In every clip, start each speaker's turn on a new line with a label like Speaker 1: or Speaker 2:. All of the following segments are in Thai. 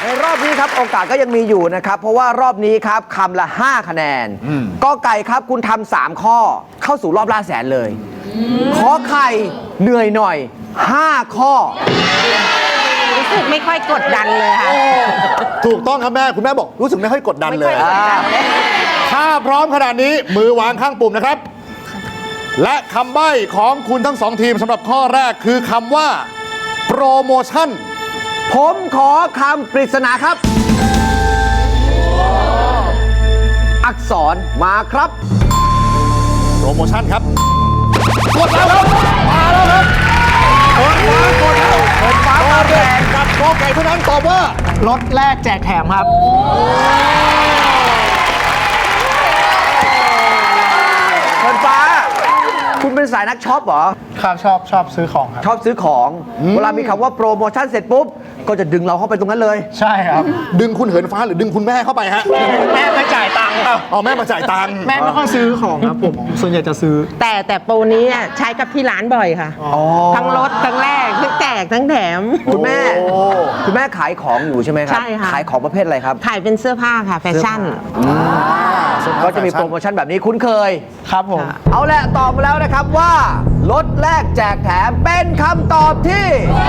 Speaker 1: ในรอบนี้ครับโอกาสก็ยังมีอยู่นะครับเพราะว่ารอบนี้ครับคำละ5คะแนนกอไก่ครับคุณทำ3ข้อเข้าสู่รอบล่าแสนเลยขอไข่เหนื่อยหน่อย5ข้อ
Speaker 2: รู้สึกไม่ค่อยกดดันเลยค่ะ
Speaker 3: ถูกต้องครับแม่คุณแม่บอกรู้สึกไม่ค่อยกดดันเลย
Speaker 2: ไม่ค่อยกดดันเลย
Speaker 3: ถ้าพร้อมขนาดนี้มือวางข้างปุ่มนะครับและคำใบ้ของคุณทั้งสองทีมสำหรับข้อแรกคือคำว่าโปรโมชั่น
Speaker 1: ผมขอคำปริศนาครับอักษรมาครับ
Speaker 3: โปรโมชั่นครับกดแล้วครับมาแล้วครับกดแล้วกดฟ้ามาแรงกับกอไก่เท่านั้นตอบว่ารถแรกแจกแถมครับ
Speaker 1: เฟิร์นฟ้าคุณเป็นสายนักช็อปเหรอ
Speaker 4: ครับชอบซื้อของครับ
Speaker 1: ชอบซื้อของเวลามีคำว่าโปรโมชั่นเสร็จปุ๊บก็จะดึงเราเข้าไปตรงนั้นเลย
Speaker 4: ใช่ครับ
Speaker 3: ดึงคุณเหินฟ้าหรือดึงคุณแม่เข้าไปฮะ
Speaker 4: แม่มาจ่ายตังค์ครับ
Speaker 3: แม่มาจ่ายตังค์
Speaker 4: แม่ไม่ค่อยซื้อของครับผมส่วนใหญ่จะซื้อ
Speaker 2: แต่โปรนี้ใช้กับที่ร้านบ่อยค่ะทั้งรถทั้งแรกทั้งแจกทั้งแถม
Speaker 1: คุณแม่ขายของอยู่ใช่ไหมครับ
Speaker 2: ใช่ค่ะ
Speaker 1: ขายของประเภทอะไรครับ
Speaker 2: ขายเป็นเสื้อผ้าค่ะแฟชั่น
Speaker 1: ก็จะมีโปรโมชั่นแบบนี้คุ้นเคย
Speaker 4: ครับผม
Speaker 1: เอาละตอบมาแล้วนะครับว่ารถแรกแจกแถมเป็นคำตอบที่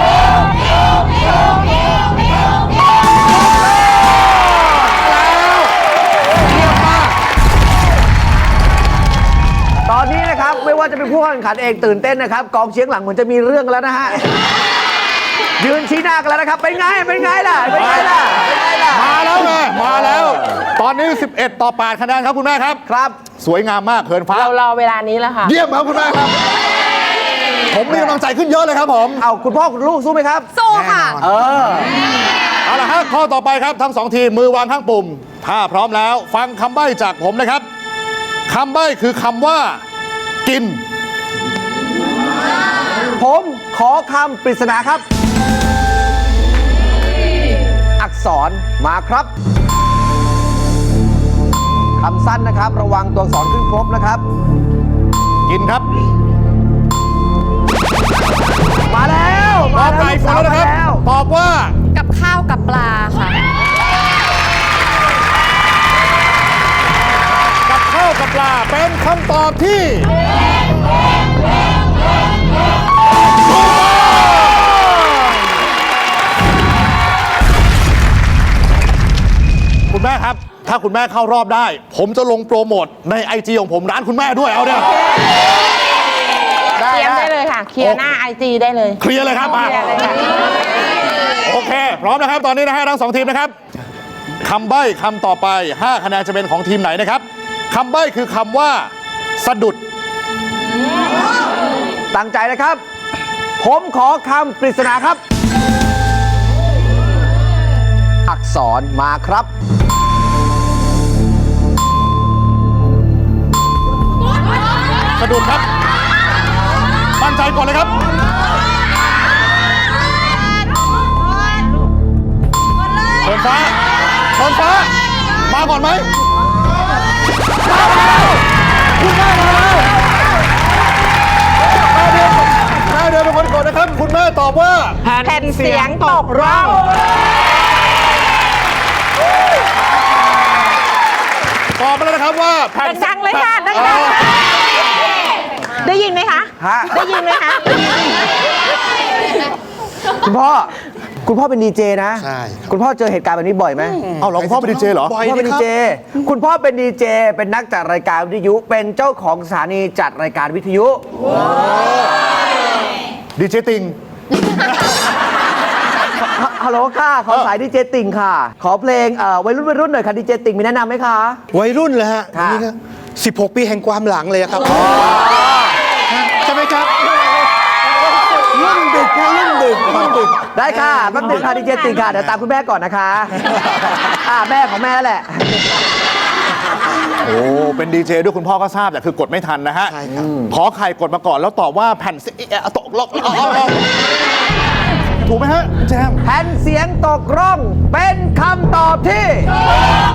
Speaker 1: ตอนนี้นะครับไม่ว่าจะเป็นผู้แข่งขันเองตื่นเต้นนะครับกองเชียงหลังเหมือนจะมีเรื่องแล้วนะฮะยืนชี้หน้ากันแล้วนะครับเป็นไงล่ะมา
Speaker 3: แล้วไงมาแล้วตอนนี้11 ต่อ 8คะแนนครับคุณแม่ครับ
Speaker 1: ครับ
Speaker 3: สวยงามมากเขินฟ้า
Speaker 2: เรารอเวลานี้แล้วค่ะ
Speaker 3: เยี่ยมครับคุณแม่ครับผมมีกำลังใจขึ้นเยอะเลยครับผม
Speaker 1: เอาคุณพ่อคุณลูกสู้ไหมครับ
Speaker 2: สู้ค่ะ
Speaker 3: เอาละครับข้อต่อไปครับทั้ง2ทีมมือวางข้างปุ่มถ้าพร้อมแล้วฟังคำใบ้จากผมนะครับคำใบ้คือคำว่ากิน
Speaker 1: ผมขอคำปริศนาครับอักษรมาครับคำสั้นนะครับระวังตัวอักษรขึ้นครบนะครับ
Speaker 3: กินครับ
Speaker 1: มาแล้ว
Speaker 3: ตอบไก่ฝนแล้วนะครับตอบว่า
Speaker 2: กับข้าวกับปลาค่ะ
Speaker 3: กับข้าวกับปลาเป็นคำตอบที่คุณแม่ครับถ้าคุณแม่เข้ารอบได้ผมจะลงโปรโมทใน IG ของผมร้านคุณแม่ด้วยเอาเนี่ย
Speaker 2: เคลียร์ได้เลยค่ะเคลียร์หน้า IG ได้เลย
Speaker 3: เคลียร์เลยครับมาโอเคพร้อมนะครับตอนนี้นะฮะทั้ง2ทีมนะครับคำใบ้คำต่อไป5คะแนนจะเป็นของทีมไหนนะครับคำใบ้คือคำว่าสะดุด
Speaker 1: ตั้งใจนะครับผมขอคำปริศนาครับอักษรมาครับ
Speaker 3: สะดุดครับมั่นใจก่อนเลยครับเถินฟ้ามาก่อนไหมคุณแม่มาแล้วแม่เดินเป็นคนกดนะครับคุณแม่ตอบว่า
Speaker 2: แผ่นเสียงตกร่อง
Speaker 3: ตอบมาแล้วนะครับว่า
Speaker 2: แผ่นดังเลยค่ะดังได้ยินไหมคะได้ยินไหมคะ
Speaker 1: คุณพ่อเป็นดีเจนะใช่คุณพ่อเจอเหตุการณ์แบบนี้บ่อยไหม
Speaker 3: เอาหรอคุณพ่อเป็นดีเจเหรอ
Speaker 1: คุณพ่อเป็นดีเจคุณพ่อเป็นดีเจเป็นนักจัดรายการวิทยุเป็นเจ้าของสถานีจัดรายการวิทยุ
Speaker 3: ดีเจติง
Speaker 1: ฮัลโหลค่ะขอสายดีเจติ่งค่ะขอเพลงวัยรุ่นหน่อยค่ะดีเจติ่งมีแนะนำไหมคะ
Speaker 4: วัยรุ่นเลยฮะนี่ครับ16 ปีแห่งความหลังเลยครับใช่ไหมครับ
Speaker 1: รุ่นดึกได้ค่ะแป๊บนึงค่ะดีเจติ่งค่ะเดี๋ยวตามคุณแม่ก่อนนะคะแม่ของแม่แหละ
Speaker 3: โอ้เป็นดีเจด้วยคุณพ่อก็ทราบแต่คือกดไม่ทันนะฮะขอไข่กดมาก่อนแล้วตอบว่าแผ่นตกล็อกถูกไหมฮะแจม
Speaker 1: แผ่นเสียงตกร่องเป็นคำตอบที่